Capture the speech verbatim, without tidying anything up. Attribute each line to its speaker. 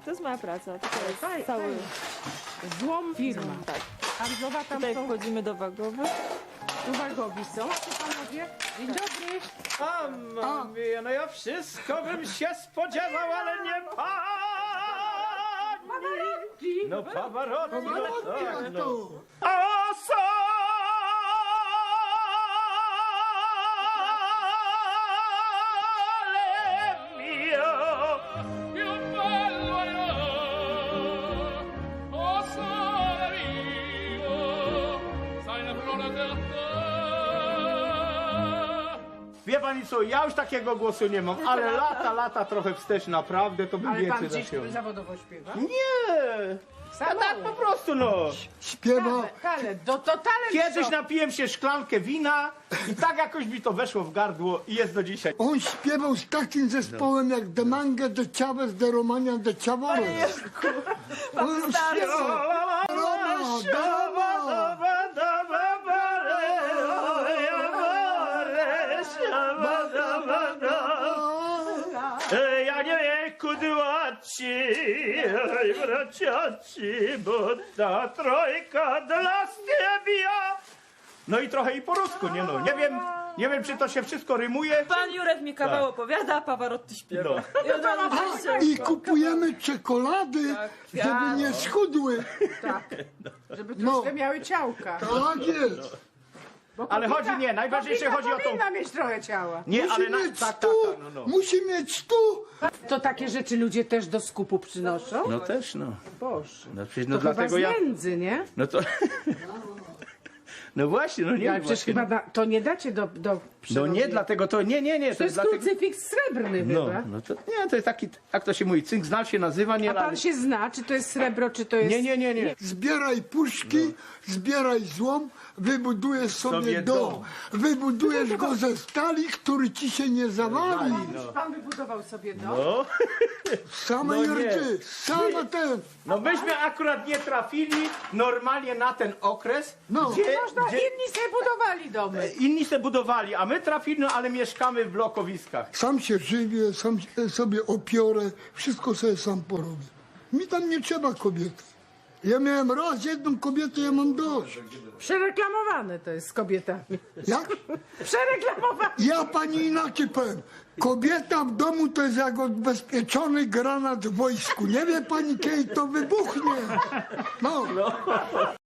Speaker 1: To jest moja praca. To jest
Speaker 2: Faj-
Speaker 1: cały...
Speaker 2: fajnie. Złom firma.
Speaker 1: Tak.
Speaker 2: Handlowa tam
Speaker 1: Tutaj
Speaker 2: są,
Speaker 1: wchodzimy do wagowych.
Speaker 2: uwagowi są. Panowie, dzień dobry.
Speaker 3: A mamie, no ja wszystko bym się spodziewał, ale nie pani. No Pavarotti, no tak, no. A sole mio,
Speaker 4: più bello io, o sole mio, sai la flora del te.
Speaker 3: Wie pani co, ja już takiego głosu nie mam, ale lata, lata trochę wstecz, naprawdę, to bym
Speaker 2: Ale pan
Speaker 3: więcej
Speaker 2: gdzieś
Speaker 3: zasiął.
Speaker 2: zawodowo śpiewa?
Speaker 3: Nie! A tak po prostu, no.
Speaker 5: Śpiewa,
Speaker 2: Talent, to, to talent.
Speaker 3: Kiedyś
Speaker 2: co?
Speaker 3: napiłem się szklankę wina i tak jakoś mi to weszło w gardło i jest do dzisiaj.
Speaker 5: on śpiewał z takim zespołem jak De Mange, De Chavez, De Romania, De Chavores. On śpiewał. Roma, Roma.
Speaker 3: Ja nie wiem, kudłaci, braciaci, bo ta trojka dla stebia. No i trochę i po rusku, nie no, nie wiem, nie wiem czy to się wszystko rymuje.
Speaker 1: Pan Jurek mi kawał opowiada, a Pavarotti śpiewa.
Speaker 3: No.
Speaker 1: I od razu
Speaker 5: A, i kupujemy czekolady, żeby nie schudły.
Speaker 2: Tak, żeby
Speaker 5: No.
Speaker 2: troszkę miały ciałka.
Speaker 5: Tak jest.
Speaker 2: Bo
Speaker 3: Ale
Speaker 2: kobieta-
Speaker 3: chodzi, nie, najważniejsze
Speaker 2: kobieta
Speaker 3: chodzi o to-
Speaker 2: powinna mieć trochę ciała.
Speaker 3: Nie,
Speaker 5: Musi
Speaker 3: ale na,
Speaker 5: mieć
Speaker 3: tak, tak,
Speaker 5: stu,
Speaker 3: tak, no, no.
Speaker 5: musi mieć stu.
Speaker 2: To takie rzeczy ludzie też do skupu przynoszą?
Speaker 3: No też, no.
Speaker 2: Boże.
Speaker 3: No przecież
Speaker 2: To
Speaker 3: no
Speaker 2: chyba
Speaker 3: dlatego
Speaker 2: z
Speaker 3: ja...
Speaker 2: nędzy, nie?
Speaker 3: No to... No właśnie, no nie
Speaker 2: Ale przecież
Speaker 3: właśnie.
Speaker 2: chyba da, to nie dacie do, do
Speaker 3: No
Speaker 2: przyrody.
Speaker 3: nie, dlatego to, nie, nie, nie,
Speaker 2: To jest
Speaker 3: dlatego...
Speaker 2: krucyfiks srebrny
Speaker 3: No,
Speaker 2: chyba.
Speaker 3: no to nie, to jest taki, jak to się mówi, cynk znal się nazywa, nie?
Speaker 2: A pan
Speaker 3: ale-
Speaker 2: się zna, czy to jest srebro, czy to jest...
Speaker 3: Nie, nie, nie, nie.
Speaker 5: Zbieraj puszki, zbieraj złom, wybudujesz sobie,
Speaker 3: Sobie
Speaker 5: dom.
Speaker 3: dom.
Speaker 5: Wybudujesz go ze stali, który ci się nie zawali.
Speaker 2: Pan wybudował sobie dom?
Speaker 3: No.
Speaker 5: Same
Speaker 3: No nie.
Speaker 5: jurty, same ten.
Speaker 3: No myśmy akurat nie trafili normalnie na ten okres,
Speaker 5: No.
Speaker 3: gdzie,
Speaker 2: Można,
Speaker 3: gdzie
Speaker 2: inni sobie budowali domy.
Speaker 3: inni se budowali, a my trafili, no ale mieszkamy w blokowiskach.
Speaker 5: Sam się żywię, sam się- sobie opiorę, wszystko sobie sam porobię. Mi tam nie trzeba kobiety. Ja miałem raz jedną kobietę, ja mam dość.
Speaker 2: Przereklamowane to jest z kobietami.
Speaker 5: Jak?
Speaker 2: Przereklamowane.
Speaker 5: Ja pani inaczej powiem. Kobieta w domu to jest jak odbezpieczony granat w wojsku. Nie wie pani, kiedy to wybuchnie. No.